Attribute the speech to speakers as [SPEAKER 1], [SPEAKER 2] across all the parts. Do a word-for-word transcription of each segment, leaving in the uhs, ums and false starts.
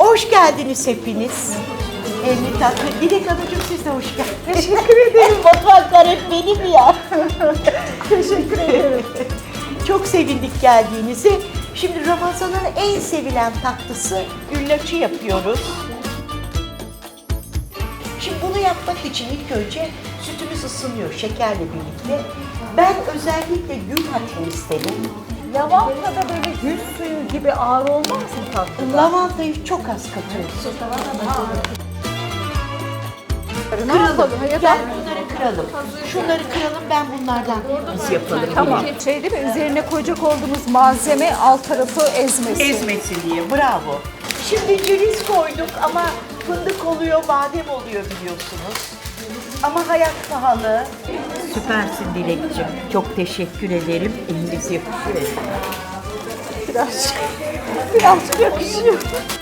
[SPEAKER 1] Hoş geldiniz hepiniz. Elini tatlı. Dilek Hanımcığım siz de hoş geldiniz.
[SPEAKER 2] Teşekkür ederim.
[SPEAKER 1] Mutfaklar hep benim ya.
[SPEAKER 2] Teşekkür ederim.
[SPEAKER 1] Çok sevindik geldiğinizi. Şimdi Ramazan'ın en sevilen tatlısı güllaçı yapıyoruz. Şimdi bunu yapmak için ilk önce sütümüz ısınıyor şekerle birlikte. Ben özellikle gül hatlı istedim.
[SPEAKER 2] Lavanta da böyle gül suyu gibi ağır olmaz mı tatlıda?
[SPEAKER 1] Lavantayı çok az katıyorsun.
[SPEAKER 2] Ne yapalım? Ya da
[SPEAKER 1] Gel bunları kıralım. Şunları kıralım, ben bunlardan biz yapalım.
[SPEAKER 2] tamam. Şey değil mi? Üzerine koyacak olduğumuz malzeme alt tarafı ezmesi.
[SPEAKER 1] Ezmesi diye, bravo. Şimdi ceviz koyduk ama fındık oluyor, badem oluyor biliyorsunuz. Ama hayat pahalı. Süpersin Dilekciğim. Çok teşekkür ederim. Eliniz yakışıyor.
[SPEAKER 2] Biraz, biraz yakışıyor.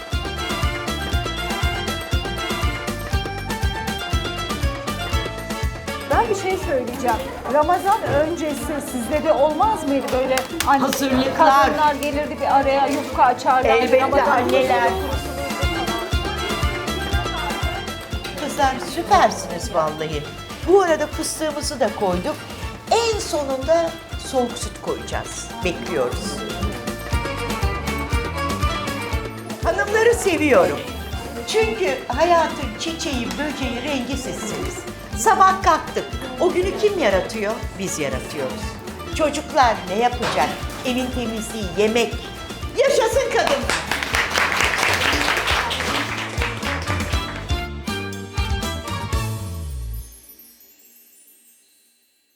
[SPEAKER 2] Ben bir şey söyleyeceğim. Ramazan öncesi sizde de olmaz mıydı böyle hani
[SPEAKER 1] Hazırlıklar.
[SPEAKER 2] kadınlar gelirdi bir araya yufka açarlar.
[SPEAKER 1] Elbette
[SPEAKER 2] Ramazan
[SPEAKER 1] anneler. Kızlar süpersiniz vallahi. Bu arada fıstığımızı da koyduk. En sonunda soğuk süt koyacağız. Bekliyoruz. Hanımları seviyorum. Çünkü hayatın çiçeği, böceği, rengi sizsiniz. Sabah kalktık. O günü kim yaratıyor? Biz yaratıyoruz. Çocuklar ne yapacak? Evin temizliği, yemek. Yaşasın kadın.